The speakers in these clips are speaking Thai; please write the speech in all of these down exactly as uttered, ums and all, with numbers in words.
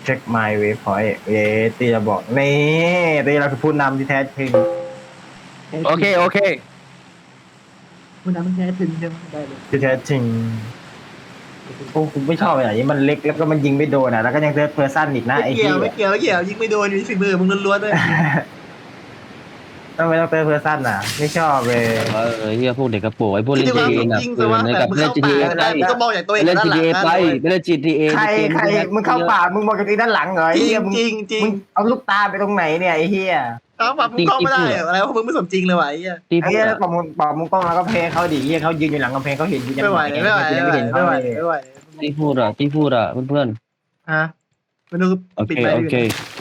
เช็ค my waypoint เอตีจะบอกนี่ตีเราคือผู้นำที่แท้จริงโอเคโอเคคุณน้ำมันแท้ถึงใช่ไหมได้เลยที่แท้จริงโอ้กูไม่ชอบอะไรนี้มันเล็กแล้วก็มันยิงไม่โดนอ่ะแล้วก็ยังเซิร์ฟเพอร์ซันอีกนะไม่ไอ้เกี่ที่ยวไม่เกี่ยวไม่เกี่ยวยิงไม่โดนอยู่ที่ฝีมือมึงล้วนๆด้วยต้องไม่ต้องเซิร์ฟเพอร์ซันอ่ะไม่ชอบเลยเออเฮียพวกเด็กกระโปรงไอ้พวกคิเล่ดนดูจีว่าเอยิงนะแต่ว่าในแบกับบ มึงเล่เข้านจีป่าเอไม่ไปได้มึงต้องมองอย่างตัวเองเล่นด้านจีหลังเอไปไม่เล่นจีเอใครใครมึงเข้าป่ามึงมองจากที่ด้านหลังเหรอไอ้จริเหี้ยงมึงจริงจริงมึงเอาลูกตาไปตรงไหนเนี่ยไอ้เหี้ยเอาป่ามึงเข้าไม่ได้เหรออะไรวะมึงไม่สมจริงเลยว่ะไอ้เหี้ยที่ไอ้พูดเหี้ยอะบอกมึงบอกมึงกล้องแล้วก็เพลงเขาดิเหี้ยเขายืนอยู่หลังกำแพงเขาเห็นกูยังไม่ไหวไงไม่ไหวกูยังไม่ไม่ไหวเห็นเขาไม่ไหวเลยไม่ไหวที่พูดอะที่พูดอะเพื่อนฮะมาดูๆโอปิดเคไปโอเค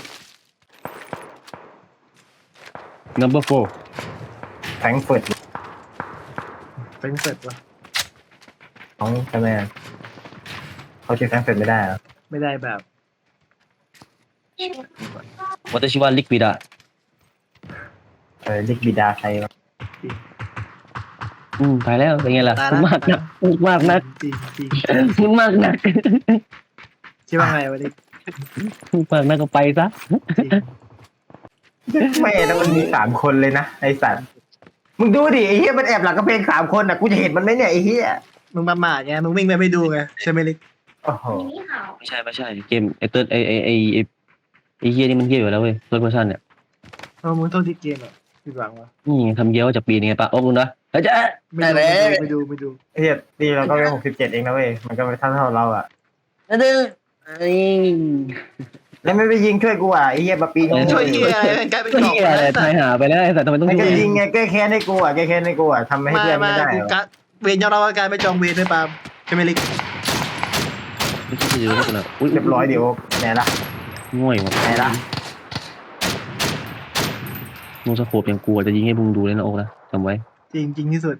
number four แฟรงก์เฟิร์ตเป็นเสร็จวะของใช่ไหมเขาชื่อแฟรงก์เฟิร์ตไม่ได้เหรอไม่ได้แบบวัตชิวาลิกวิดาเออลิกบิดาใครวะอืมไปแล้วเป็นไงล่ะตายมึละงมากนักมึงมากนักจริงจริงมึงมากนักคิดว่าไงวะนี่มึงมากนักก็ไปซะจริงไม่แล้วมันมีสามคนเลยนะไอสัตว์มึงดูดิไอ้เหี้ยมันแอบหลังกำแพงสามคนอ่ะกูจะเห็นมันไหมเนี่ยไอ้เหี้ยมึงประมาทไงมึงวิ่งไปไม่ดูไงใช่ไหมลิกโอ้โหไม่ใช่ไม่ใช่เกมไอเติร์ดไอไอไอไอไอเฮียนี่มันเฮียอยู่แล้วเว้ยเฟิร์สเพอร์ซันเนี่ยเออมึงโทษที่เกมอ่ะผิดหวังวะนี่ทำเยี่ยวจากปีนี้ไงปะโอ้มึงนะเฮ้ยจ๊ะไม่ดูไม่ดูไม่ดูไอ้เหี้ยตีเราก็แค่หกสิบเจ็ดเองนะเว้ยมันก็ไม่เท่าเท่าเราอ่ะนั่นเด้อไอ้แล้วไม่ไปยิงช่วยกูอ่ะไอ้เหี้ยมาปีนช่วยเฮียกลายเป็นกล่องเฮียอะไรตายหาไปแล้วไอ้แต่ทำไมต้องมันก็ช่วยยิงไงแก้แค้นให้กูอ่ะแก้แค้นให้กูอ่ะทำให้ไม่เพื่อนไม่ไม่ได้กูหรอกะเวรยอมรับว่าการไม่จองเวรด้วยปาล์มใช่ไหมลิกไม่ใช่จะดูแล้วกันนะอุ้ยเรียบร้อยเดี๋ยวไหนล่ะง่วยว่ะไหนล่ะโนสโคปอย่างกลัวจะยิงให้มึงดูเลยนะโอ๊กนะจำไว้จริงจริงที่สุด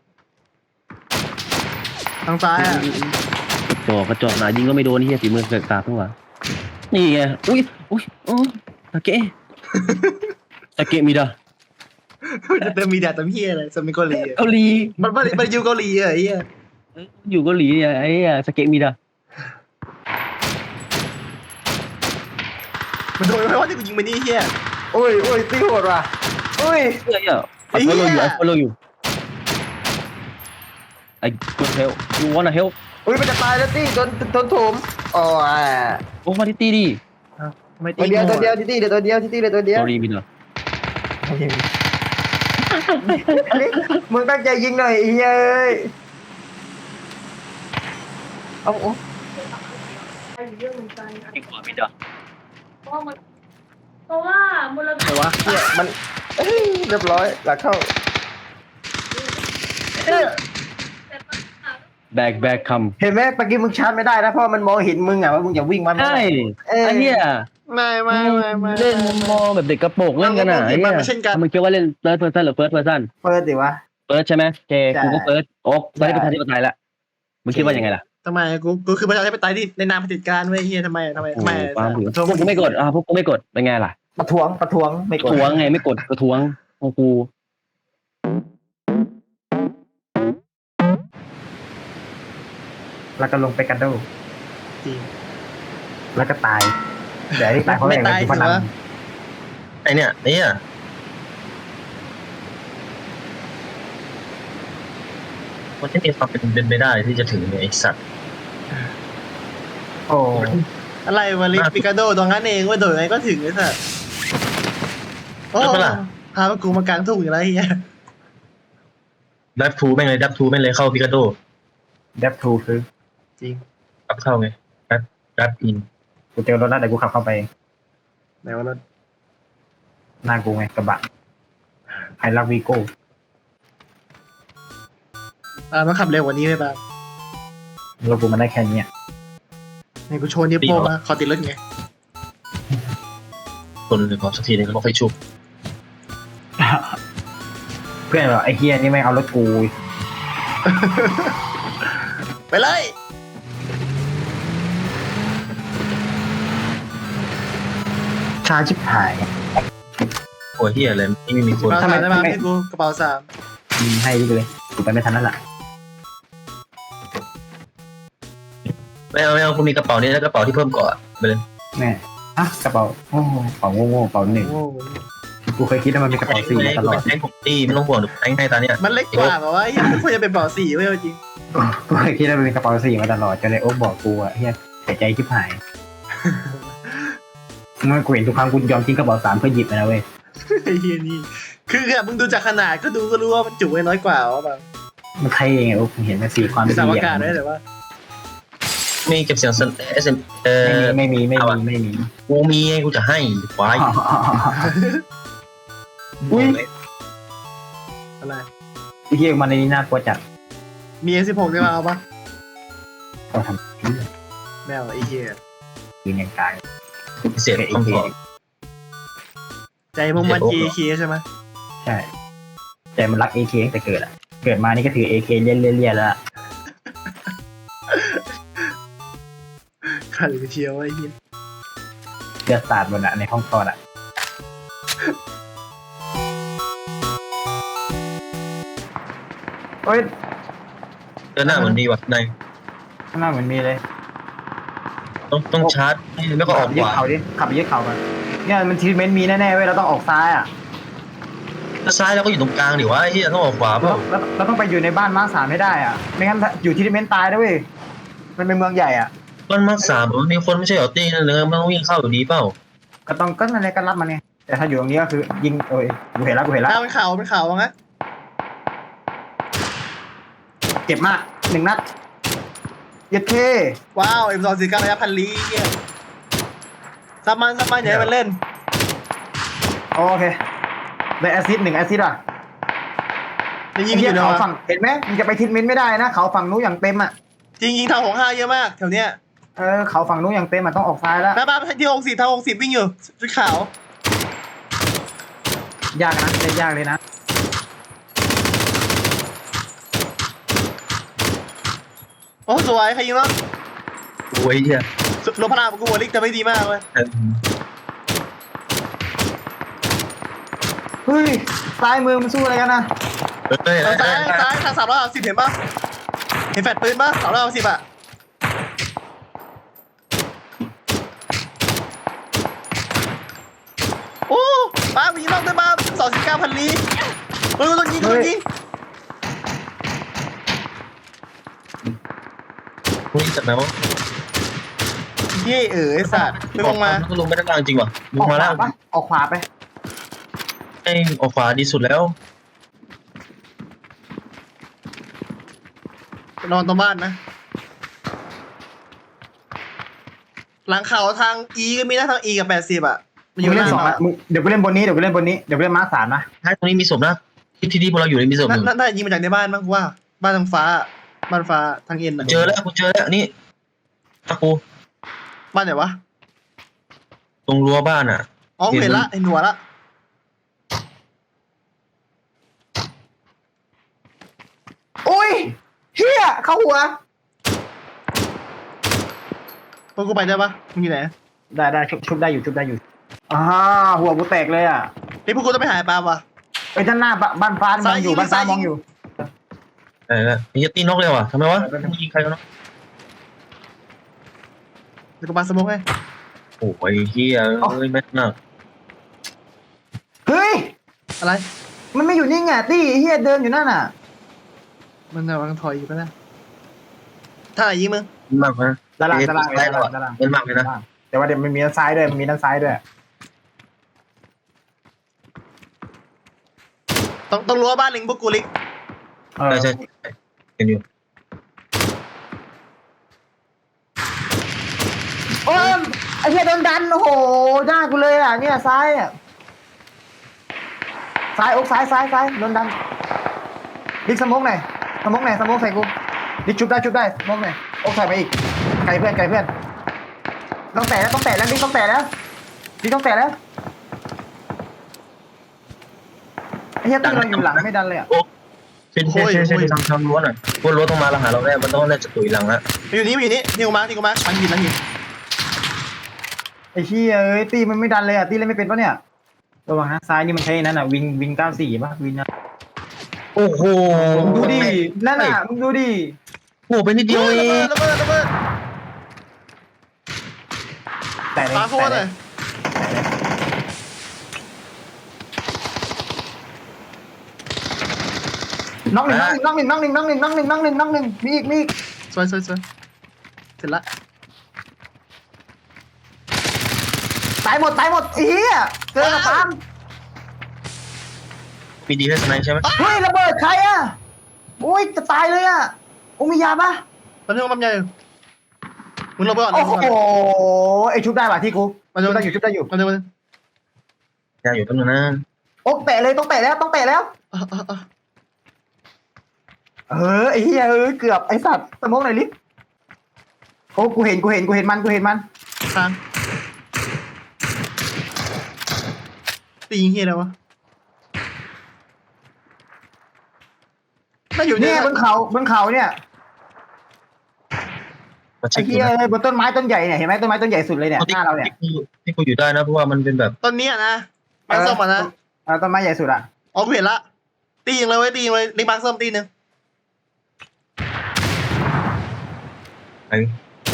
ทางซ้ายอ่ะจอกระจอกหนายิงก็ไม่โดนนี่เฮียฝีมือเกิดตาทั้งหวะนี่ไงอุ้ยอุ้ยโอ้ตะเกะตะเกะมีดามันจะเติมมีแดดเติมเฮียอะไรสมัยเกาหลีอะเกาหลีมันมันมันอยู่เกาหลีอะไอ้เฮียอยู่เกาหลีเนี่ยไอ้เหี้ยสเกะมีดามันโดนไม่ว่าที่กูยิงไปนี่เฮียโอ้ยโอ้ยตีโหดว่ะโอ้ยเฮ้ยอ่ะไอ้ follow you I follow you I good help you wanna help อุ้ยมันจะตายแล้วตีโดนโดนโถมอ๋ออ่ะโอ้มาที่ตีดิไม่ตีตัวเดียวตัวเดียวที่ตีเดี๋ยวตัวเดียวที่ตีเดี๋ยวตัวเดียว sorry มีดามึงตั้งใจยิงหน่อยไอ้เหี้ยเอ้ยเอาเอาดีกว่ามีดาเพราะว่ามันเพราะว่ามูลแต่ว่าเนี่ยมันเอ้ยเรียบร้อยหลักเข้าแบกแบกคเห็นไหมเมื่อกี้มึงชาร์จไม่ได้นะเพราะมันมองเห็นมึงอ่ะว่ามึงอย่าวิ่งมันำใช่เออไอ้เหี้ยไม่ไม่ไม่ไม่เล่นมองแบบเด็กกระโปรงเล่นกันอ่ะไอ้เหี้ยมึงคิดว่าเล่น third person หรือ first person เปิดดิวะ first ใช่ไหมเจใช่กูก็ first โอ๊กตอนนี้ประชาธิปไตยละมึงคิดว่ายังไงล่ะทำไมกูกูคือประชาธิปไตยที่ในนามเผด็จการเว้ยเฮียทำไมทำไมโอ้ทำไมความถือพวกกูไม่กดอ่ะพวกกูไม่กดเป็นไงล่ะประท้วงประท้วงไม่กดทวงไงไม่กดกระทวงของกูแล้วก็ลงไปกันดูจริงแล้วก็ตายเดี๋ยวไอ้ตายเพราะไม่อะไรตายกูสิพนันวะไอเนี่ยไอเนี่ยมันไม่มีความเป็นเป็นไปได้ที่จะถึงเนี่ยไอสัตว์โอ้อะไรวะลิปิกาโดตรงนั้นเองว่าโดดไงก็ถึงไอ้สัสโอ้พากูมากลางทุ่งอยู่แล้วเฮียดับทูแม่งเลยดับทูแม่งเลยเข้าพิกาโดเดฟทูคือจริงดับเข้าไงดับดับอินกูเจอรถแล้วเดี๋ยวกูขับเข้าไปไหนว่ารถหน้ากูไงกระบะไฮรักวีโก้อ่ามันขับเร็วกว่านี้ไหมป่ะรถกูมันได้แค่เนี้ยไหนกูโชว์นิ้วโป้งมาขอติดรถไงคนหรือขอสักทีนึงแล้วก็ไฟชุบเพื่อนบอกไอ้เฮียนี่ไม่งเอารถกูไปเลยชาชิบหายโอ้ยเฮียอะไรนี่ไม่มีคนกระทำเป๋าไมสามได้มาทำไมให้กูกระเป๋าสามยิงให้ดิเลยกูไปไม่ทันนั่นแหละไม่เอาไม่เอาคุณมีกระเป๋านี้แล้วกระเป๋าที่เพิ่มเกาะไปเลยแม่อ่ะกระเป๋าโอ้โหกระเป๋าโง่ๆกระเป๋าหนึ่งโอ้โหกูเคยคิดว่ามันมีกระเป๋าสี่มาตลอดแทงผมตีไม่ต้องห่วงแทงให้ตาเนี่ยมันเล็กกว่าแบบว่าเฮียไม่ควรจะเป็นเบาะสี่เว้ยจริงกูเคยคิดว่ามันมีกระเป๋าสี่มาตลอดจนเลยโอ๊กบอกกูอะเฮียเสียใจชิบหายมันกูเห็นทุกครั้งกูยอมทิ้งกระเป๋าสามเพื่อหยิบมันนะเว้ยไอ้เฮียนี่คือแบบมึงดูจากขนาดก็ดูก็รู้ว่ามันจุไว้น้อยกว่าว่าแบบมันใครเองอะโอ๊กเห็นมันสี่ความมีดีสามอาอะกาศด้วยแต่ว่ามีเก็บเสียงเอสเอ็มเออไม่มีไม่มีไม่มีไม่มีกูมีไงกูจะให้ควายอุ้ยอะไรไอ้เฮียมันในนี้น่ากลัวจัดมี เอ สิบหก ได้มาเอาปะก็ทำแมวไอ้เฮียยืนอย่างกลางเสียงต้องขอใจมึงมัน จี เค ใช่ไหมใช่แต่มันรักเอเคตั้งแต่เกิดอะเกิดมานี่ก็ถือเอเคเลี่ยนเลี่ยนแล้วอะขันไปเชียวไอ้เฮียเลือดสาดบนอะในห้องคลอดอะโอ้ยเดินหน้าเหมือนดีว่ะนายข้างหน้าเหมือนมีเลยต้องต้องชาร์จแล้วก็ออกยึขดวาเขาดิขับไปยึดเขากันเนี่ยมันทีเมนต์มีแน่ๆเว้ยเราต้องออกซ้ายอะถ้าซ้ายเราก็อยู่ตรงกลางดิวะไอ้เหี้ยต้องออกขวาเปเราล่าเราเราต้องไปอยู่ในบ้านมาร์คสามให้ได้อะไม่งั้นอยู่ทีเมนต์ตายนะเว้ยมันเป็นเมืองใหญ่อะมันมาร์คสามมันมีคนไม่ใช่เหรอตีนั่นเลยมันต้องวิ่งเข้าอยู่ดีเปล่าก็ต้องก็นั่นแหละก็รับมันไงแต่ถ้าอยู่ตรงนี้ก็คือยิงโอ้ยกูเห็นแล้วกูเห็นแล้วถ้าเป็นข่าวเป็นข่าวว่างั้นเจ็บมากหนึ่งนัดเย็ดเคว้าว เอ็ม สอง สี่ เก้าระยะพันลี้เฮียซับมันซับมันอย่าให้มันเล่นโอเคได้แอซิดหนึ่งแอซิดอ่ะจะยิงไอ้อเหี้ยยู่นะเขาวะฝั่งเห็นไหมมันจะไปทิศเมนต์ไม่ได้นะเขาฝั่งนู้นอย่างเต็มอ่ะจริงยิงทางหกห้าเยอะมากแถวเนี้ยเออเขาฝั่งนู้นอย่างเต็มอ่ะต้องออกซ้ายแล้วแม่บ้านที่หกสิบทางหกสิบวิ่งอยู่ชุดขาวยากนะเล่นยากเลยนะโอ้สวยใครยิงแล้วโอ้ยเหี้ยลบพลาดกูหัวลิกแต่ไม่ดีมากเลยเออเฮ้ยซ้ายมือมันสู้อะไรกันนะเอ้ยทางซ้ายซ้ายทางสามร้อยสิบเห็นปะเห็นแฟลชปืนปะสามร้อยสิบอะโอ้ป้ามีรอบด้วยป้าสองสิบเก้าพันลีเฮ้ยต้องยิงต้องยิงมึงจัดไหมวะเย่เอ๋ยสัตว์ไม่ลงมาก็ลงไม่ได้ล่างจริงว่ะลอง อกมาขล่าวาง ปะออกขวาไปไอ้ออกขวาดีสุดแล้วนอนตรงบ้านนะ หลังเขาทางอีก็มีนะทางอีกับแปดสิบอะมันอมึยู่งหเล่น้านสองเขาอ่ะมึงเดี๋ยวกูเล่นบนนี้เดี๋ยวกูเล่นบนนี้เดี๋ยวกูเล่นมาร์คสามนะท้ายตรงนี้มีศพนะที่ที่ที่พวกเราอยู่ในมีศพหนึ่งน่าน่าจะยิงมาจากในบ้านมั้งกูว่า บ้านทางฟ้า บ้านฟ้าทางเอ็นอะเจอแล้วกูเจอแล้วนี่ตะกูบ้านไหนวะตรงรั้วบ้านอ่ะอ๋อเห็นละเห็นหัวละโอ้ยเฮียเข้าหัวพวกกูไปได้ปะมึงอยู่ไหนได้ได้ชุบชุบได้อยู่ชุบได้อยู่อ่าหัวกูแตกเลยอ่ะเฮ้ยพวกกูต้องไปหาปลาปะไอ้ด้านหน้าบ้านบ้านฟ้ามองอยู่บ้านฟ้ามองอยู่เออไอ้เหี้ยตีนกเลยว่ะทำไมวะมึงยิงใครวะเนาะเดี๋ยวกูปาสโมกให้โอ้ยเฮียเอ้ยแม่งน่ะเฮ้ยอะไรมันไม่อยู่นิ่งอ่ะตี้เฮียเดินอยู่นั่นอ่ะมันกำลังถอยอยู่ปะนะท่าไหนยิงมึงมากนะด้านล่างด้านล่างได้ด้านแล้วล่างด้านล่างเป็นมากเลยนะแต่ว่าเดี๋ยวมันมีด้านซ้ายด้วยมันมีด้านซ้ายด้วยต้องต้องรั้วบ้านลิงพวกกูลิกเออใช่ใช่ใช่เห็นอยู่โอ้ยไอ้เฮียโดนดันโอ้โหหน้ากูเลยอ่ะเนี่ยซ้ายอ่ะซ้ายอกซ้ายซ้ายซ้ายโดนดันดิกสมองหน่อยสมองหน่อยสมองใส่กูดิกชุบได้ชุบได้สมองหน่อยอกใส่ไปอีกไกลเพื่อนไกลเพื่อนต้องแตะแล้วต้องแตะแล้วดิกต้องแตะแล้วดิกต้องแตะแล้วไอ้เฮียตีเราอยู่หลังไม่ดันเลยอ่ะเช่นเช่นเช่นเช่นทำทำรั้วหน่อยพวกรั้วต้องมาแล้วหาเราแน่มันต้องน่าจะตุยหลังละมันอยู่นี่มันอยู่นี่นี่กูมาที่กูมาหลังหินหลังหินไอ้เฮียเอ้ยตีมันไม่ดันเลยอ่ะตีเล่นไม่เป็นปะเนี่ยระวังนะซ้ายนี่มันใช่นั่นอ่ะวิงวิงเก้าสี่ป่ะวิงนะโอ้โหมึงดูดินั่นอ่ะมึงดูดิโอ้โหเป็นนิดเดียวเอระเบิงดระเบิดระเบิดแต่เลยปาโฟแต่นเลเลย ยน้องหนึ่งน้องหนึ่งน้องหนึ่งน้องหนึ่งน้องหนึ่งน้องหนึ่งน้องหนึ่งมีอีกมีอีกสวยสวยสวยเสร็จละตายหมดตายหมดเฮียเจอกับปาล์มมีดีให้สไนใช่ไหมเฮ้ยระเบิดใครอ่ะโอ้ยจะตายเลยอ่ะโอ้มียาปะตอนนี้มันใหญ่มึงลงไปก่อนโอ้โหไอชุบได้ป่ะที่กูมาชุดูบได้อยู่ชุบได้อยู่มาดูมาดูยาอยู่ตั้งนานโอ้แตะเลยต้องแตะแล้วต้องแตะแล้วอ่ะอ่ะอ่ะเออไอ้เหี้ยเออเกือบไอ้สัตว์สมองไหนอยลิโอ้กูเห็นกูเห็นกูเห็นมันกูเห็นมันทางตียิงเฮียอะไรวะน่าอยู่เนี่เนี่ย ยบนเขาบนเขาเนี่ยมาไอ้เช็คดูเหี้ยนะเอ้ยบนต้นไม้ต้นใหญ่เนี่ยเห็นไหมต้นไม้ต้นใหญ่สุดเลยเนี่ยหน้าเราเนี่ยที่กูที่กูอยู่ได้นะเพราะว่ามันเป็นแบบตอนนี้นะมาส้มอ่ะนะเออต้นไม้ใหญ่สุดอ่ะอ๋อกูเห็นละตียิงเลยเว้ยตียิงเลยลิงบางส้มตีหนึ่งไอ้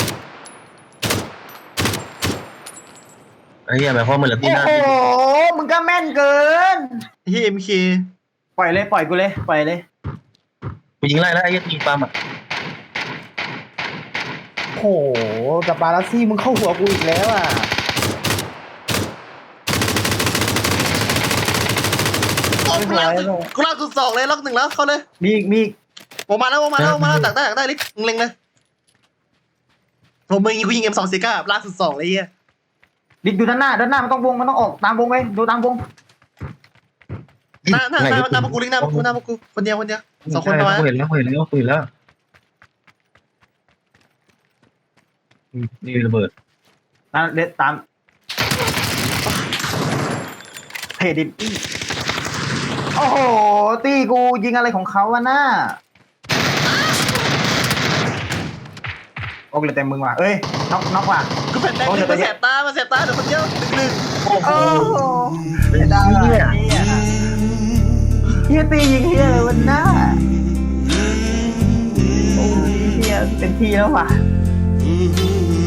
ไอ้เหี้ยหมายความว่ามันเหลือตีโอ้หน้าโหมึงก็แม่นเกินเฮียเอ็มเคปล่อยเลยปล่อยกูเลยปล่อยเลยกูยิงไล่แล้วไอ้เหี้ยยิงปาล์มอ่ะโอ้โหกับบาลัสซี่มึงเข้าหัวกูอีกแล้วอ่ะโอ้กูลากสุดกูลากสุดสองเลยล็อกหนึ่งแล้วเข้าเลยมีอีกมีอีกผมมาแล้วผมมาแล้วผมมาแล้วตักได้ตักได้ลิงมึงเล็งเลยผมมึงยิงกูยิงเอ็มสองสี่เก้าลากสุดสองเลยเฮียดิดดูด้านหน้าด้านหน้ามันต้องวงมันต้องออกตามวงไปดูตามวงหน้าหน้าหน้าหน้าพวกกูลิงหน้าพวกกูหน้าพวกกูคนเดียวคนเดียวสองคนประมาณกูเห็นแล้วกูเห็นแล้วกูเห็นแล้วนี่ระเบิดตามเด็ดตามเพดินโอ้โหตีกูยิงอะไรของเขาวะหน้าโอ้เลยเต็มมึงว่ะเอ้ยน็อกน็อกว่ะกูแผ่นแดงลิงมาแสบตามาแสบตาเดี๋ยวคนเดียวหนึ่งหนึ่งโอ้โหโอ้โหเสียดายว่ะเฮียตียิงเฮียเลยวันหน้าโอ้ยเฮียเป็นทีแล้วว่ะ Mm-hmm.